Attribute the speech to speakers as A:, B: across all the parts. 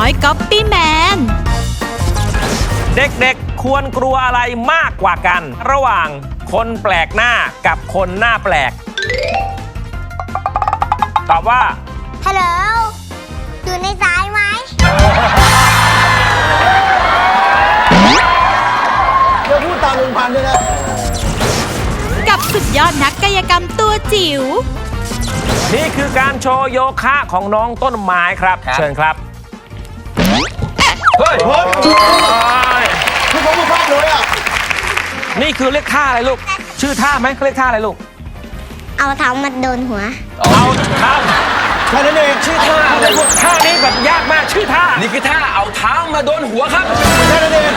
A: อยก๊อปปี้แมน
B: เด็กๆควรกลัวอะไรมากกว่ากัน ระหว่างคนแปลกหน้ากับคนหน้าแปลกตอบว่า
C: ฮัลโหลอยู่ในสายไหม
D: เดี๋ยวพูดตามลุงพันธุ์ด้วยนะ
A: กับสุดยอดนักกายกรรมตัวจิ๋ว
B: นี่คือการโชว์โยคะของน้องต้นไม้ครับเชิญครับเฮ้ย
D: คือผมไม่ชอบเลยอ่ะ
B: นี่คือเรียกท่าอะไรลูกชื่อท่าไหมเขาเรียกท่าอะไรลูก
C: เอาเท้ามาโดนหัว
B: เอาเท้า
D: แค่นั้นเอง
B: ชื่อท่าอะไรลูกท่านี้แบบยากมากชื่อท่า
E: นี่คือท่าเอาเท้ามาโดนหัวครับ
D: แค่นั้นเอง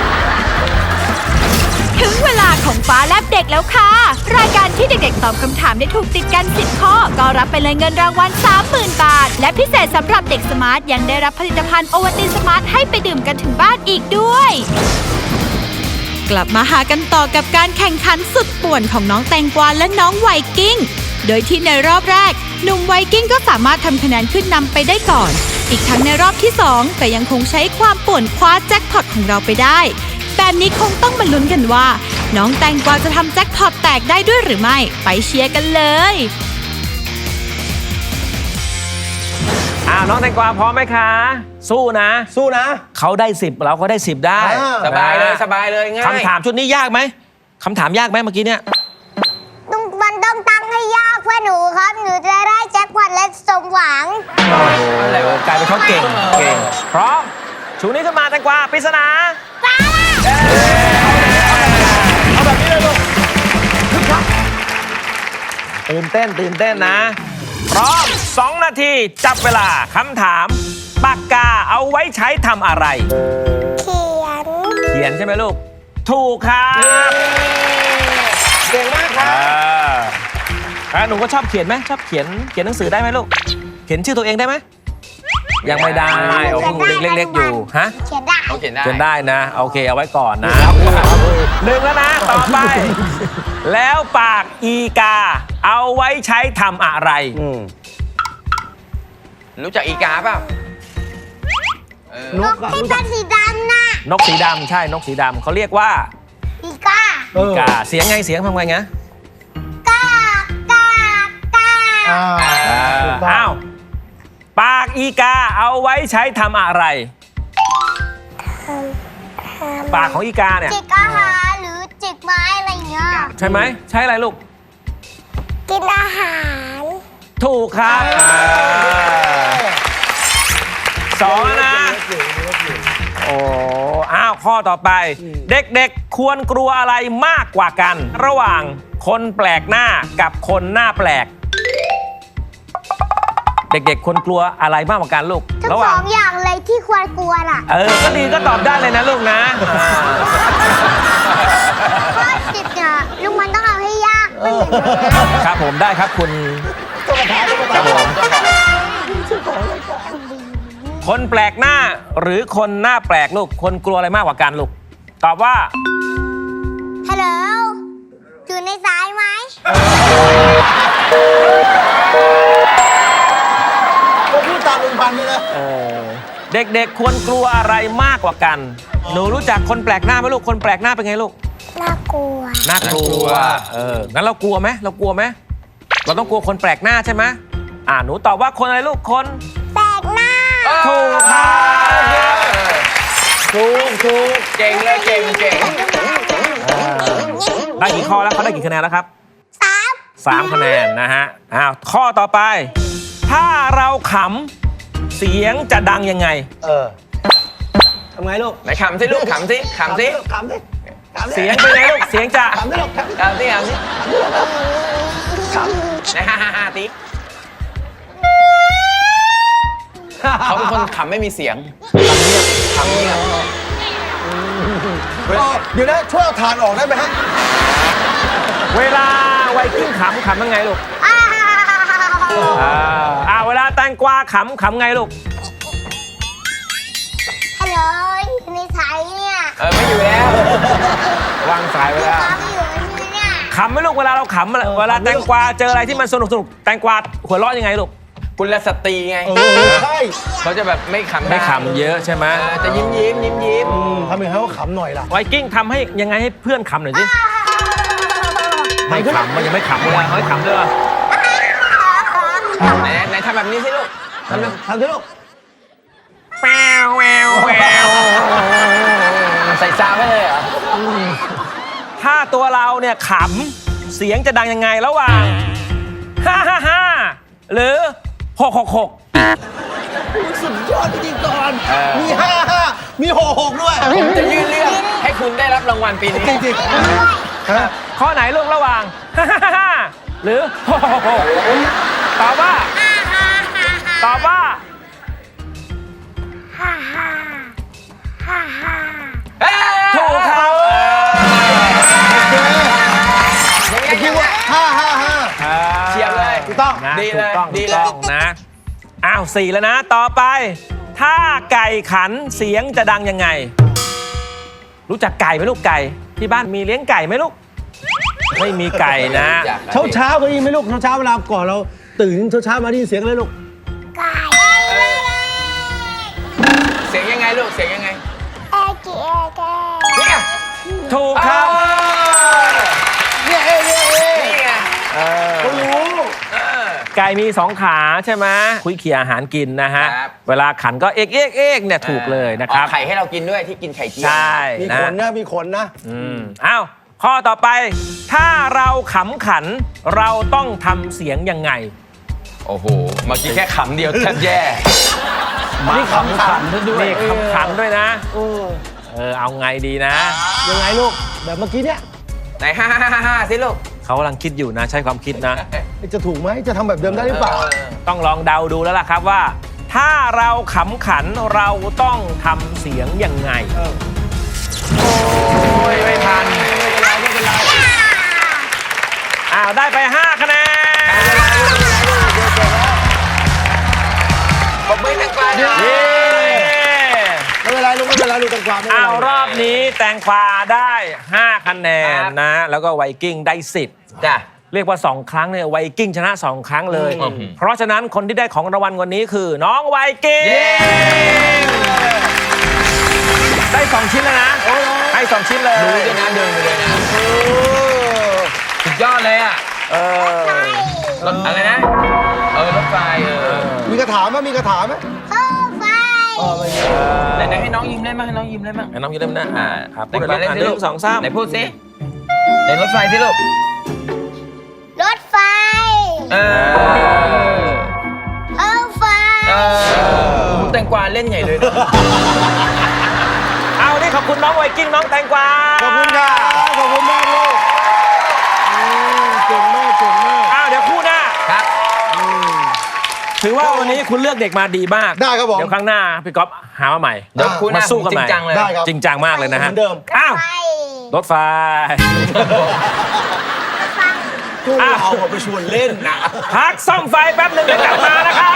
A: ถึงเวลาของฟ้าแลบเด็กแล้วค่ะรายการที่เด็กๆตอบคำถามได้ถูกติดกัน10ข้อก็รับไปเลยเงินรางวัล 30,000 บาทและพิเศษสำหรับเด็กสมาร์ทยังได้รับผลิตภัณฑ์โอวัลตินสมาร์ทให้ไปดื่มกันถึงบ้านอีกด้วยกลับมาหากันต่อกับการแข่งขันสุดป่วนของน้องแตงกวาและน้องไวกิ้งโดยที่ในรอบแรกหนุ่มไวกิ้งก็สามารถทำคะแนนขึ้นนำไปได้ก่อนอีกทั้งในรอบที่2ก็ยังคงใช้ความป่วนคว้าแจ็คพอตของเราไปได้แบบนี้คงต้องมาลุ้นกันว่าน้องแตงกวาจะทำแจ็คพอตแตกได้ด้วยหรือไม่ไปเชียร์กันเลย
B: น้องแตงกวาพร้อมไหมคะสู้นะเขาได้10เราก็ได้10ได้
E: สบายเลยง่าย
B: คำถามชุดนี้ยากไหมคำถามยากไหมเมื่อกี้เนี่ย
C: มันต้องตั้งให้ยากเพื่อหนูครับหนูจะได้แจ็คพอตและสมหวัง
B: อะไรวะกลายเป็นเขาเก่งพร้อมชูนี้ขึ้นมาแตงกวาปริศนาเอาแบบนี้เลยลูกตื่นเต้นนะพร้อม2 นาทีจับเวลาคำถามปากกาเอาไว้ใช้ทำอะไรเขียนใช่ไหมลูกถูกครับ
E: เก่งมากครับ
B: หนูก็ชอบเขียนไหมชอบเขียนหนังสือได้ไหมลูกเขียนชื่อตัวเองได้ไหมยังไม่ได้โอ้โหเล็กๆอยู่ฮะ
C: เขียนได้
B: นะโอเคเอาไว้ก่อนนะหนึ่งแล้วนะต่อไปแล้วปากอีกาเอาไว้ใช้ทำอะไร
E: รู้จักอีกาเปล่าน
C: กที่เป็นสีดำนะ
B: นกสีดำใช่นกสีดำเขาเรียกว่า
C: อีกา
B: เสียงทำไงนะ
C: กา
B: อ้าวปากอีกาเอาไว้ใช้ทำอะไรปากของอีกาเนี่ย
C: จิกอาหารหรือจิกไม้อะไรเงี้ย
B: ใช่ไหมใช้อะไรลูก
C: กินอาหาร
B: ถูกครับ2นะโอ้ข้อต่อไปเด็กๆควรกลัวอะไรมากกว่ากันระหว่างคนแปลกหน้ากับคนหน้าแปลกเด็กๆควรกลัวอะไรมากกว่ากันลูก
C: ทั้ง2 อย่างเลยที่ควรกลัวน่ะ
B: ก็ดีก็ตอบได้เลยนะลูกนะ
C: ข้อ10เนี่ยลุงมันต้องเอาให้ยาก
B: ครับผมได้ครับคุณครับผมคนแปลกหน้าหรือคนหน้าแปลกลูกคนกลัวอะไรมากกว่ากันลูกตอบว่า
C: ฮัลโหลอยู่ในสายไหม
D: ก็พูดตามลุงพันธุ์ด้วยนะ
B: เด็กๆควรกลัวอะไรมากกว่ากันหนูรู้จักคนแปลกหน้าไหมลูกคนแปลกหน้าเป็นไงลูก
C: น่ากลัว
B: งั้นเรากลัวไหมเราต้องกลัวคนแปลกหน้าใช่ไหมหนูตอบว่าคนอะไรลูกคน
C: แปลกหน้า
B: ถูกครับ
E: ถูกเก่งเลยเก่ง
B: ได้กี่ข้อแล้วเขาได้กี่คะแนนแล้วครับ3 คะแนนนะฮะข้อต่อไปถ้าเราขำเสียงจะดังยังไง
D: ทำไงลูก
E: ไหนขำสิลูกขำสิ
B: เสียงเป็นไงลูกเสียงจะ
E: ขำสิฮ่าติ๊กเขาเป็นคนขำไม่มีเสียงขำเงียบ
D: เดี๋ยวนะช่วยเอาถ่านออกได้ไหมฮะ
B: เวลาไวกิ้งขำยังไงลูกเวลาแตงกวาขำไงลูก
C: ฮัลโหลอยู่ในสายเนี่ย
E: ไม่อยู่แล้ว
B: วางสายไปแล้วขำไหมลูกเวลาเราขำเวลาแตงกวาเจออะไรที่มันสนุกแตงกวาหัวเราะยังไงลูก
E: กุลสตรีไง
D: ใช่
E: เขาจะแบบไม่ขำ
B: ไม่ขำเยอะใช่ไหม
E: จะยิ้มยิ้ม
D: ทำยังไงให้เขาขำหน่อยล่ะ
B: ไวกิ้งทำให้ยังไงให้เพื่อนขำหน่อยสิไม่ขำมันยังไม่ขำเลยเฮ้ยขำด้วยเหรอ
E: ไหนทำแบบนี้สิลูกทำแบบ
D: ทำสิลูก
B: แววแววแวว
E: ใส่ซาวไว้เลยเหรอ
B: ถ้าตัวเราเนี่ยขำเสียงจะดังยังไงระหว่าง555หรือ666
D: สุดยอดจริงๆก่อนมี55มี66ด้วย
E: ผมจะยื่นเรื่องให้คุณได้รับรางวัลปีนี้
D: จริง
B: ข้อไหนลูกระหว่าง555หรือ666ตอบว่าถูกครับ
D: ๆคิดว่า555
E: เฉียบเลย
D: ถูกต้อง
B: นะ
E: ดี
B: ถู
E: เล
B: ก
E: ย
B: ต้อง
E: ดี
B: ถูก
E: เลย
B: ต้องนะอ้าว4แล้วนะต่อไป ถ้าไก่ขันเสียงจะดังยังไง รู้จักไก่ไหมลูกไก่ที่บ้านมีเลี้ยงไก่ไหมลูกไม่มีไก่นะ
D: เช้าก็ยินไหมลูกเช้าเวลาก่อนเราตื่นเช้ามาได้ยินเสียงอะไรลูก
E: เสียงยังไงลูก เสียงยังไง
C: เอเก
E: เนี่ย
B: ถูกครับ
E: นี่ไง
D: เขารู้
B: ไก่มี2 ขาใช่ไหมคุยเขี่ยอาหารกินนะฮะ
E: ครับ
B: เวลาขันก็เอกเนี่ยถูกเลยนะครับ
E: ไข่ให้เรากินด้วยที่กินไข่เจียว
B: ใช่
D: มี
B: นะ
D: ขนนะมีขนนะ
B: อ้าวข้อต่อไป ถ้าเราขำขันเราต้องทำเสียงยังไง
E: โอ้โห เมื่อกี้แค่ขำเดียวแทบแย่
D: นี่ขำขันด้วย
B: นี่ขำขันด้วยนะเอาไงดีนะ
D: ยังไงลูกแบบเมื่อกี้เนี่ย
E: ไหน5 สิลูก
B: เขากำลังคิดอยู่นะใช้ความคิดนะ
D: จะถูกไหมจะทำแบบเดิมได้หรือเปล่า
B: ต้องลองเดาดูแล้วล่ะครับว่า ถ้าเราขำขันเราต้องทำเสียงยังไง โอ้ยไม่ทันอ้าวได้ไป 5 คะแนน
E: บอกไม่ตั้งกลาง
B: เย้
D: ไม่เป็นไรลูกไม่เป็นไรลูกตังความไม่เป็น
B: อ้าว
D: ไร
B: รอบนี้แตงกวาได้ 5 คะแนนนะ แล้วก็ไวกิ้งได้ 10
E: จ้ะ
B: เรียกว่า 2 ครั้งเนี่ยไวกิ้งชนะ 2 ครั้งเลย
E: อืม
B: เพราะฉะนั้นคนที่ได้ของรางวัลวันนี้คือน้องไวกิ้ง
E: เย้
B: ได้ 2 ชิ้นแล้วนะให้2 ชิ้นเลย
E: ดูด้วยนะเดินไปเลยนะสุดยอดเลยอ่ะ
B: เออ
E: รถอะไรนะ รถไฟ
D: มีกระถางไหมมีกระถางไหม
C: โอ้ไฟ
E: ไหนให้น้องยิ้มได้มั้ยให้น้องยิ้มได้มั้ย
B: ให้น้องยืนเล่นนะครับพู
E: พู
B: ด
E: ด
B: เลย
E: เล่น
B: ลูก
E: สิลูก
B: 1 2 3
E: ไหนพูดสิไหนรถไฟสิลูก
C: รถไฟ
E: เออ
C: โอ้ไฟ
E: แตงกวาเล่นใหญ่เลยนะ
B: เอานี่ขอบคุณน้องไวกิ้งน้องแตงกวา
D: ขอบคุณค่ะขอบคุณมากลูกเก่งมากเก่งมาก
B: อ้าวเดี๋ยวคู่หน้า
E: ครับ
B: ถือว่าวันนี้คุณเลือกเด็กมาดีมาก
D: ได้ครับผม
B: เดี๋ยวครั้งหน้าพี่ก๊อฟหามาใหม่
E: เดี๋ยวคู่หน้า
B: มาสู้กัน
E: จริ
B: ใหม่
E: งจังเลย
D: ได้ครับ
B: จริงจังมากเลยนะฮะ
D: เหมือนเดิม
B: อ้าว
C: ไฟ
B: รถไฟ
D: กู
B: อ้าว
D: เอาไปชวนเล่นนะ
B: พักซ่อมไฟแป๊บหนึ่งเดี๋ยวกลับมานะครับ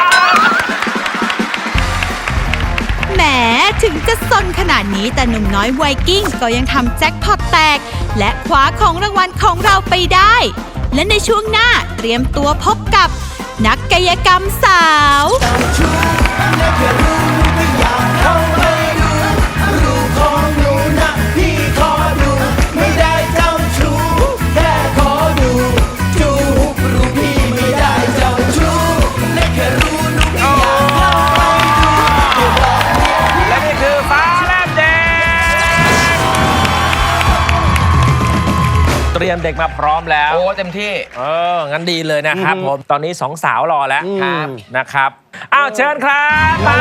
A: แหมถึงจะซนขนาดนี้แต่หนุ่มน้อยไวกิ้งก็ยังทำแจ็คพอตแตก และคว้าของรางวัลของเราไปได้ และในช่วงหน้าเตรียมตัวพบกับ นักกายกรรมสาว
B: และนี่คือฟ้าแลบแดงเตรียมเด็กมาพร้อมแล้ว
E: โอ้เต็มที่
B: งั้นดีเลยนะครับผม ตอนนี้2 สาวรอแล้ว
E: ครับ
B: นะครับ อ้าวเชิญครับมา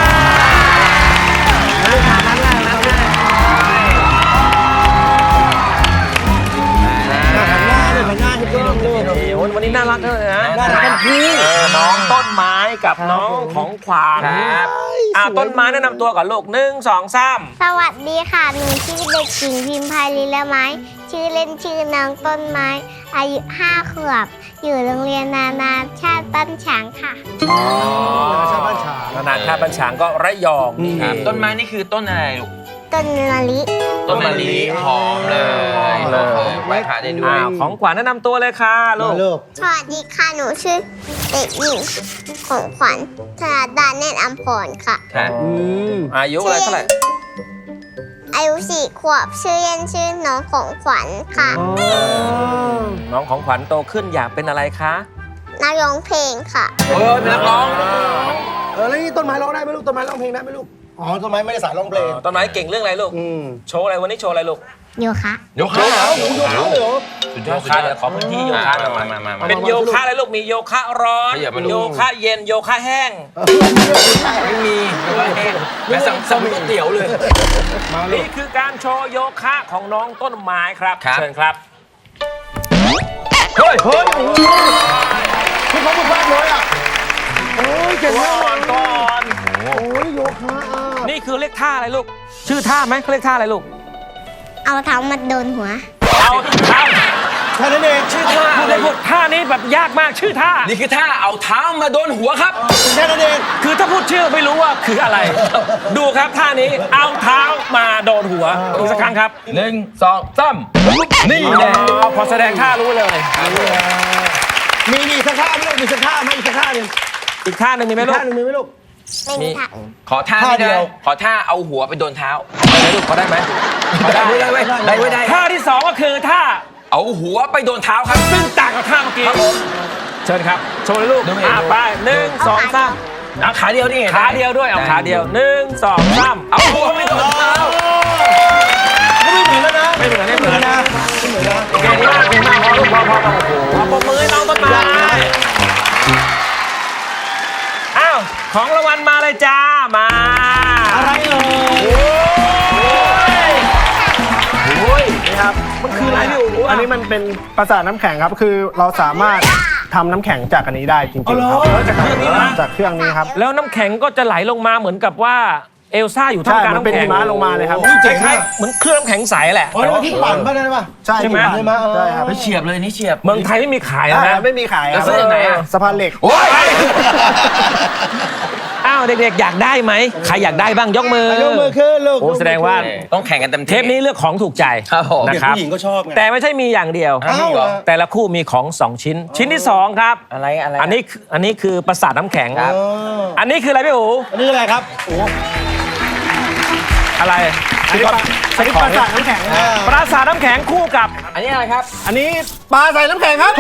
D: หันหน้าเลยหันหน้าให้กล้องดู
B: โอ้ยวันนี้น่ารักเลยนะ
D: น่ารักทั้งคู่
B: น้องต้นไม้กับน้องของขวาน
E: ครับ
B: ต้นไม้แนะนำตัวก่อนลูก1 2 3
C: สวัสดีค่ะ หนูชื่อเด็กหญิงพิมพาลีละไม้ ชื่อเล่นชื่อน้องต้นไม้ อายุ5 ขวบ อยู่โรงเรียนนานาชาติบ้านฉางค่ะ
D: ชาวบ้านฉาง
B: นานาชาติบัญชางก็ระยองนี่
E: ครับต้นไม้นี่คือต้นอะไรลูก
C: ต้นมะลิ
E: ต้นมะลิหอมเลย
B: หอมเลย
E: โไหว้พระได้ด้วย
B: ของขวัญแนะนำตัวเลยค่ะลู
D: มาก ลูก
C: สวัสดีค่ะ หนูชื่อเด็กหญิงของขวัญธนาดาเนตรอัมพรค่ะ
E: ค่ะ
B: อายุอะไรเท่าไหร่
C: อายุ4 ขวบ ชื่อเล่นชื่อน้องของขวัญค่ะ
B: น้องของขวัญโตขึ้นอยากเป็นอะไรคะ
C: นักร้องเพลงค่ะ
E: เป็นนักร้อง
D: แล้วนี่ต้นไม้ร้องได้ไหมลูก ต้นไม้ร้องเพลงได้ไหมลูก อ๋อ ต้นไม้ไม่ได้สายร้องเพลง
B: ต้นไม้เก่งเรื่องอะไรลูก โชว์อะไรวันนี้โชว์อะไรลูก
C: โยคะ
E: ยกขาเหรอ
D: โอ้โหโยคะเลยเหรอ
E: สุดย
B: โย
E: อด
B: คะเดี๋ยวขอพื้นที่โยคะหน่อย
E: มา
B: เป็นโยคะอะไรลูก มีโยคะร้อน
E: ขยับมาลูก
B: โยคะเย็น โยคะแห้ง
E: ไม่มีแม่สั่งก๋วยเตี๋ยวเลย
D: มาลู
B: นี่
D: ก
B: คือการโชว์โยคะของน้องต้นไม้ครับ
E: ครับ
B: เชิญครับ
E: เฮ้ย
D: เฮ้ย โอ้โหพี่เขาบุกบ้านเลยอ่ะโอ้ยเก่ง
B: ก่
D: มาก
B: อนก่อน
D: โอ้ยโยคะอ่ะ
B: นี่คือเรียกท่าอะไรลูก ชื่อท่าไหมเขาเรียกท่าอะไรลูก
C: เอาเท้ามาโดนหัว
B: เอาท่า
D: แค่นั้นเอง
E: ชื่อท่า
B: พูด
E: อะไร
B: ได้พูดท่านี้แบบยากมากชื่อท่า
E: นี่คือท่าเอาเท้ามาโดนหัวครับ
D: แค่นั้นเอง
B: คือถ้าพูดชื่อไม่รู้ว่าคืออะไร ดูครับท่านี้เอาเท้ามาโดนหัวอีกสักครั้งครับ
E: 1 2 3นี่แหละ
B: พอแสดงท่ารู้เลย
D: มีอีกสักท่าไหมลูกมีสักท่าไหมอีกสักท่าหนึ่ง
B: อีกท่าหนึ่งมีไหม
D: อีก
B: ลูก
D: ท่าหนึ่งมีไหมลูก
C: ไม่มีทาง
E: ขอท่า
D: ท่าเดี
E: เดี
D: ย
E: ยว วขอท่าเอาหัวไปโดนเท้า
B: ได้ไหมลูกพอได้ไหม
E: ได้ได้
B: ท่าที่สองก็คือท่า
E: เอาหัวไปโดนเท้าครับ
B: ซึ่งต่างกับท่าเมื่อกี้เชิญครับ โชว์เลยลูก
E: ดูเอง
B: ไปหนึ่งสองสาม
E: เอาขาเดียวนี่
B: ขาเดียวด้วยเอาขาเดียวหนึ่งสองสาม
E: เอาหัวไปโดนเท้า
D: ไม่เหมือนแล้วนะ
B: ไม่เหมือนไม่เหมือน
D: นะไม่เหมือนนะ
B: เก่งมากเก่งมากพอลูกพอโอ้โหขอปรบมือให้น้องต้นไม้อ้าวของรางวัลมาเลยจ้ามา
D: อะไรเอ่ย
B: โอ้ยนี่ครับมันคืออะไรพี่อู๋
F: อันนี้มันเป็นประสาทน้ำแข็งครับ คือเราสามารถทำน้ำแข็งจากอันนี้ได้จริงๆครับ
B: จากเครื่องนี้นะ
F: จากเครื่องนี้ครับ
B: แล้วน้ำแข็งก็จะไหลลงมาเหมือนกับว่าเอลซ่าอยู่ท่า
F: ใช่
B: มกลาง
F: มันเป็น
B: น้ำแข็
F: หิ
B: ง
F: มะลงมาเลยครับ
B: คล้ายๆเหมือนเครื่องน้ำแข็งใสแหละ
D: อ๋อนี่มันที่ปั่นป่ะได้ป่ะ
F: ใช่
B: ใช่ไหม
F: ที่ปั่น
D: ใช่ไหม
F: ใช่ครับ
E: ไปเฉียบเลยนี่เฉียบ
B: เมืองไทยไม่มีขายแล้วนะ
F: ไม่มีขายค
E: แล้
F: รั
E: ว
F: บ
E: ซื้อจากไหนอะ
F: สะพานเหล็ก
E: โอ้ย
B: อ้าวเด็กๆอยากได้ไหมใครอยากได้บ้างยกมือย
D: กมือขึ้นลูก
B: โอ้แสดงว่า
E: ต้องแข่งกันเต็ม
B: เทปนี้เลือกของถูกใจ
E: ครับผม
B: นะ
D: เด็ก
B: ครับ
D: ผู้หญิงก็ชอบไง
B: แต่ไม่ใช่มีอย่างเดียว
E: อ้าวเหรอ
B: แต่ละคู่มีของ 2 ชิ้น ชิ้นที่ 2 ครับ
E: อะไร
B: อันนี้คือประสาทน้ำแข็ง
E: ครับ
B: อันนี้คืออะไรพี่อู๋
D: อันนี้อะไรครับโอ้
B: อะไร
F: อันนี้ประสาทน้ำแข็ง
B: ปราสาทน้ำแข็งคู่กับ
E: อันนี้อะไรครับ
F: อันนี้ปลาใส่น้ำแข็งครับ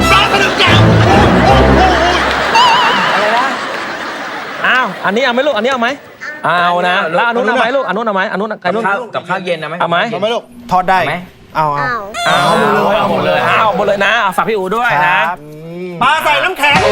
B: อ้าวอันนี้เอาไหมลูกอันนี้เอาไหมเอานะแล้วอันนู้นเอาไหมลูกอันนู้นเอาไหมอันนู้นอันนู้น
E: กับข้าวเย็นนะไหม
B: เอาไหม
D: ทำไหมลูก
F: ทอดได้
E: ไหม
F: เอา
C: อ้าว
B: เอาหมดเลยเอาหมดเลยนะเอาฝากพี่อู๋ด้วย
F: ค
B: นะ
F: รับปลาใส่น้ำแข็ง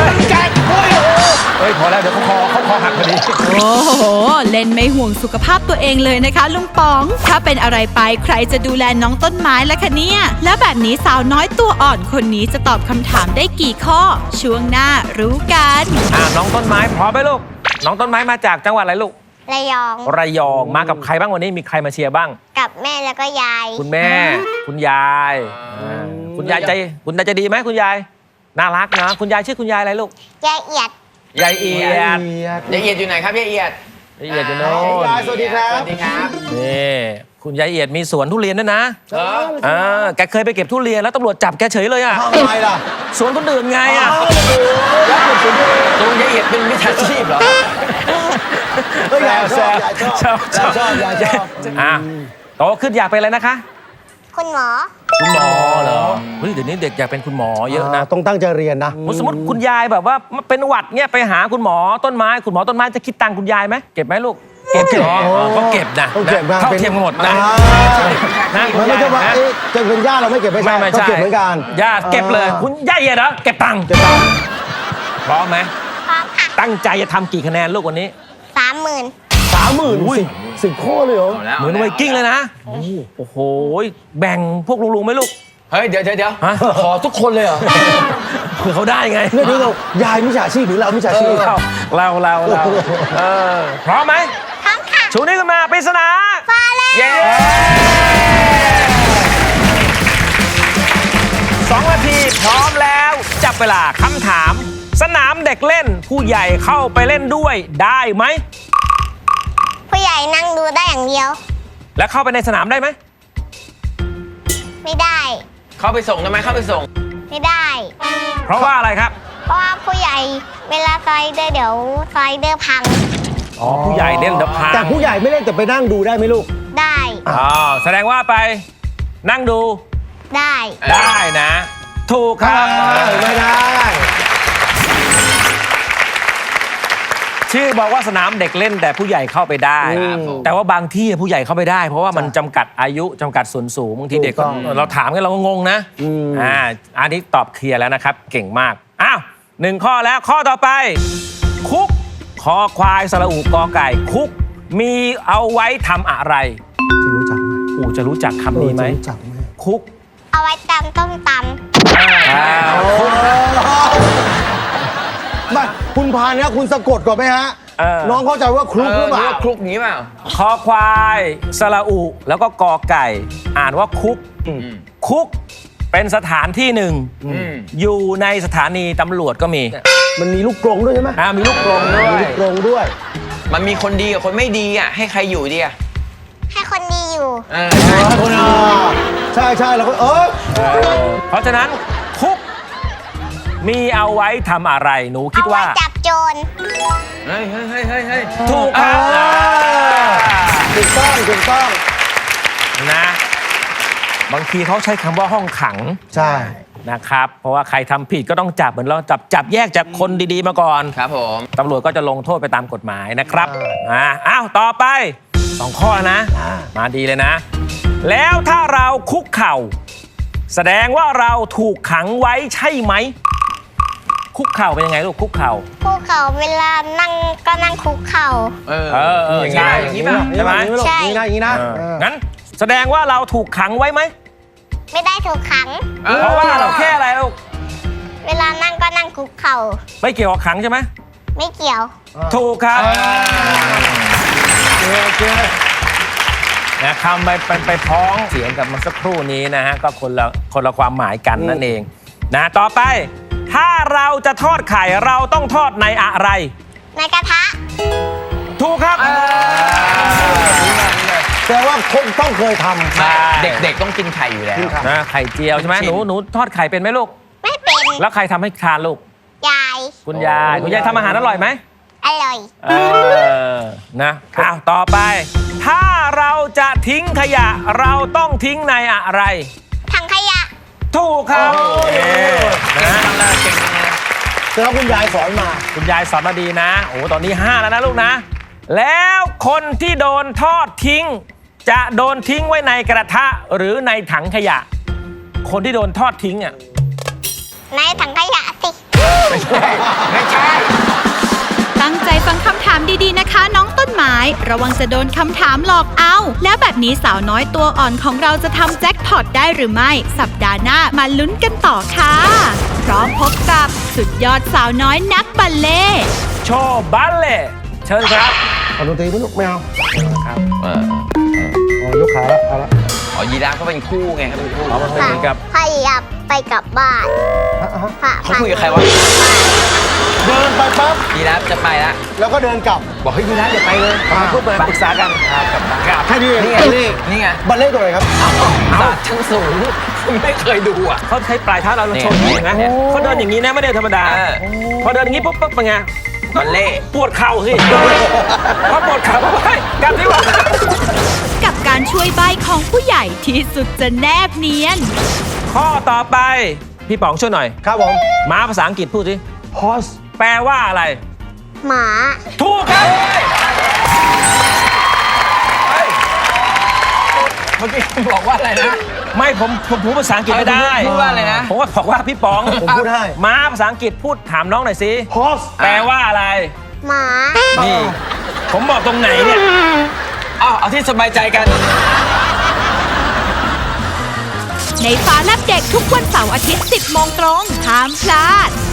B: เฮ้ยพอแล้วเดี๋ยวเขาคอหักพอดี
A: โอ้โห เล่นไม่ห่วงสุขภาพตัวเองเลยนะคะลุงป๋อง ถ้าเป็นอะไรไปใครจะดูแลน้องต้นไม้ล่ะคะเนี่ย แล้วแบบนี้สาวน้อยตัวอ่อนคนนี้จะตอบคำถามได้กี่ข้อ ช่วงหน้ารู้กัน
B: น้องต้นไม้พร้อมไหมลูกน้องต้นไม้มาจากจังหวัดอะไรลูก
C: ระยอง
B: ระยองมากับใครบ้างวันนี้มีใครมาเชียร์บ้าง
C: กับแม่แล้วก็ยาย
B: คุณแม่ คุณยายคุณยายใจดีไหมคุณยายน่ารักนะคุณยายชื่อคุณยายอะไรลูก
C: ยายเอียด
B: ยายเอียด
E: ยายเอียดอยู่ไหนครับยายเอียด
B: ยายเอียดอยู่โน่น
D: ยายสวัสดีครับ
E: สวัสดีครับ
B: นี่คุณยายเอียดมีสวนทุเรียนด้วยนะ
E: เหรอ
B: แกเคยไปเก็บทุเรียนแล้วตำรวจจับแกเฉยเลยอ่ะ
D: ทำไมล่ะ
B: สวนคนอื่นไงอ่ะ
E: ตรงยายเอียดเป็นมิจฉาชีพเหรอ
D: เฮ้ยยายชอบยายชอบยายชอบยายชอบ
B: อ่ะโตขึ้นอยากเป็นอะไรนะคะ
C: คุณหมอ
B: คุณหมอเหรอเฮ้ยเดี๋ยวนี้เด็กอยากเป็นคุณหมอเยอะนะ
D: ต้องตั้งใจเรียนนะ
B: สมมติคุณยายแบบว่าเป็นหวัดเนี่ยไปหาคุณหมอต้นไม้คุณหมอต้นไม้จะคิดตังค์คุณยายไหมเก็บไหมลูกเก็บเหรอก็เก็บนะ
D: ต้องเก็บนะ
B: เท่าเทียมกันหมดนะนะคุ
D: มัน
B: ณ
D: ไม่
B: ยาย
D: ใช่ว่า
B: นะ
D: จะเป็นญาติเราไม่เก็บไม่ใช่
B: ไม่
D: ต้อง
B: ใช่
D: เก็บเหมือนกัน
B: ญาติเก็บเลยคุณยายเหรอเก็บตังค์
D: เก็บตังค์
B: พร้อมไหม
C: พร้อมค่ะ
B: ตั้งใจจะทำกี่คะแนนลูกวันนี้
C: 30,000
D: 30,000 10 ข้อเลยเหรอ
B: เหมือนไวกิ้งเลยนะโอ้โหแบ่งพวกลุงๆไหมลูก
E: เฮ้ยเดี๋ยว
B: ฮะ
E: ขอทุกคนเลยเหรอ
B: เผื่อเขาได้ไง
D: เนี่ยดูเรายายมิจฉาชีพหรือเรามิจฉาชีพ
B: เราพร้อมไหม
C: พร้อมค่ะ
B: ชูนิ้วขึ้นมาปริศนา
C: ฟ้าแลบ
B: เย้2 นาทีพร้อมแล้วจับเวลาคำถาม สนามเด็กเล่นผู้ใหญ่เข้าไปเล่นด้วยได้ไหม
C: ผู้ใหญ่นั่งดูได้อย่างเดียว
B: แล้วเข้าไปในสนามได้ไหม
C: ไม่ได้
E: เข้าไปส่งได้ไหมเข้าไปส่ง
C: ไม่ได้
B: เพราะว่าอะไรครับ
C: เพราะว่าผู้ใหญ่เวลาสไลเดอร์เดี๋ยวสไลเดอร์พัง
B: อ๋อผู้ใหญ่เล่นเดอะพา
D: แต่ผู้ใหญ่ไม่เล่นแต่ไปนั่งดูได้ไหมลูก
C: ได้
B: อ๋อแสดงว่าไปนั่งดู
C: ได้
B: ได้นะ ถูกครับ
D: ไม่ได้
B: ชื่อบอกว่าสนามเด็กเล่นแต่ผู้ใหญ่เข้าไปได้
E: ครับผม
B: แต่ว่าบางที่ผู้ใหญ่เข้าไปได้ เพราะว่ามันจำกัดอายุจำกัดส่วนสูงบางทีเด็กก็
D: ถูกต้อง
B: เราถามกันเราก็งงนะอันนี้ตอบเคลียร์แล้วนะครับ เก่งมากอ้าว1 ข้อแล้วข้อต่อไป คุกคอควายสระอูกอไก่ คุกมีเอาไว้ทำอะไร
D: จะรู้จักไหม
B: อูจะรู้จักคำนี้ไหม
D: จะรู้จักไหม
B: คุก
C: เอาไว้ตำต้มต
B: คุก
D: มาคุณพานเนี่ยคุณสะกดก่อนไหมฮะ น้องเข้าใจว่าคลุกหรือเปล่า
E: คลุกอย่างนี้เปล่า
B: คอควายสระอูแล้วก็กอไก่ อ่านว่าคุก คุกเป็นสถานที่หนึ่ง อยู่ในสถานีตำรวจก็มี
D: มันมีลูกกรงด้วยใช่ไหม
B: มีลูกกรงด้ว
D: มี
B: ย
D: ลูกกรงด้วย
E: มันมีคนดีกับคนไม่ดีอ่ะให้ใครอยู่ดีอ่ะ
C: ำให้คนดีอยู่
D: ใช่ใช่แล้วก็
B: เพราะฉะนั้นคุกมีเอาไว้ทำอะไรหนูคิ
C: เอา
B: ด
C: ไว้
B: ว่า
C: จับโจร
E: เฮ้ยเฮ้ยเฮ้ยเฮ้ยเฮ้ย
B: ถูกครับ
D: ถูกต้องถูกต้อง
B: นะบางทีเขาใช้คำว่าห้องขัง
D: ใช่
B: นะครับ เพราะว่าใครทำผิดก็ต้องจับเหมือนเราจับแยกจากคนดีๆมาก่อน
E: ครับผม
B: ตำรวจก็จะลงโทษไปตามกฎหมายนะครับอ้าวต่อไป 2 ข้อนะ มาดีเลยนะ แล้วถ้าเราคุกเข่า แสดงว่าเราถูกขังไว้ใช่ไหม คุกเข่าเป็นยังไงลูกคุกเข่า
C: คุกเข่าเวลานั่งก็นั่งคุกเข่า
B: ใช่
E: อย่างนี้ป่ะ
B: ใช่ไหม
C: ใช่
D: อย่างนี้นะอย่างนี้นะ
B: งั้นแสดงว่าเราถูกขังไว้ไหม
C: ไม่ได้ถูกขัง
B: เพราะว่าเราแค่อะไรลูก
C: เวลานั่งก็นั่งคุกเข่า
B: ไม่เกี่ยวกับขังใช่ไหม
C: ไม่เกี่ยว
B: ถูกครับ
D: โอเค
B: นะคำไปพ้องเสียงกับเมื่อสักครู่นี้นะฮะก็คนละความหมายกันนั่นเองนะต่อไป ถ้าเราจะทอดไข่เราต้องทอดในอะไร
C: ในกระทะ
B: ถูกครับ
D: แต่ว่าคนต้องเคยทำ
B: ใช่
E: เด็กๆต้องกินไข่อยู่แล้ว
B: นะไข่เจียวใช่ไหมหนูทอดไข่เป็นไหมลูก
C: ไม่เป็น
B: แล้วใครทำให้ทานลูก
C: ยาย
B: คุณยายทำอาหารอร่อยไหม
C: อร่อย
B: นะอ้าวต่อไป ถ้าเราจะทิ้งขยะเราต้องทิ้งในอะไร
C: ถังขยะ
B: ถูกครับนะ
D: แต่ว่าคุณยายสอนมา
B: คุณยายสอนมาดีนะ โอ้ตอนนี้ 5 แล้วนะลูกนะ แล้วคนที่โดนทอดทิ้ง จะโดนทิ้งไว้ในกระทะหรือในถังขยะ คนที่โดนทอดทิ้งอ่ะ
C: ในถังขยะสิ
E: ไม่ใช่
A: ตั้งใจฟังคำถามดีๆนะคะ น้องต้นไม้ ระวังจะโดนคำถามหลอกเอา แล้วแบบนี้สาวน้อยตัวอ่อนของเราจะทำแจ็คพอตได้หรือไม่ สัปดาห์หน้ามาลุ้นกันต่อค่ะพร้อมพบกับสุดยอดสาวน้อยนักบัลเล่ต์
B: โชว์บัลเล่ต์เชิญครับ
D: เอาดนตรีไหมลูกไม่เอา
B: ครับ
D: อ๋อยกขาแล้วเอาละ
E: อ๋อยีราฟเขาเป็นคู่ไงเขาเป็นคู่
B: เอามาเป็นเหมือนกับ
C: พยายามไปกลับบ้านพระ
E: เขาคุยกับใครวะ
D: เดินไปปั๊บ
E: ยีราฟจะไปละ
D: แล้วก็เดินกลับ
E: บอกให้ยีราฟอย่าไปเลย
B: มาพูดมาปรึกษากัน
D: แค่นี้เอง
E: นี่ไง
D: บัลเล่
E: นี่ไง
D: บัลเล่ตัวไหนครับ
E: ศาสตร์ชั้นสูงไม่เคยดูอ่ะ
B: เขาใช้ปลายเท้าเราชนอย่างนี้นะ
E: เนี่ย
B: เขาเดินอย่างนี้นะไม่ได้ธรรมดา พอเดินอย่างนี้ปุ๊บเป็นไง
E: บัลเล่
B: ปวดเข่าสิพอปวดเข่าปุ๊บเฮ้ยกลับดีกว่า
A: กับการช่วยใบของผู้ใหญ่ที่สุดจะแนบเนียน
B: ข้อต่อไป พี่ป๋องช่วยหน่อย
D: ครับผม
B: ม้าภาษาอังกฤษพูดสิ
D: horse
B: แปลว่าอะไร
C: หมา
B: ถูกครับ
E: เมื่อกี้บอกว่าอะไรนะ
B: ไม่ผมพูดภาษาอังกฤษไม่ได้
E: พูดว่าอะไรนะ
B: ผมก็บอกว่าพี่ป๋อง
D: ผมพูดให้
B: ม้าภาษาอังกฤษพูดถามน้องหน่อยสิ
D: horse
B: แปลว่าอะไร
C: หมา
B: นี่ ผมบอกตรงไหนเนี่ย
E: เอาที่สบายใจกัน
A: ในฟ้าแลบเด็กทุกวันเสาร์อาทิตย์ 10 โมงตรงห้ามพลาด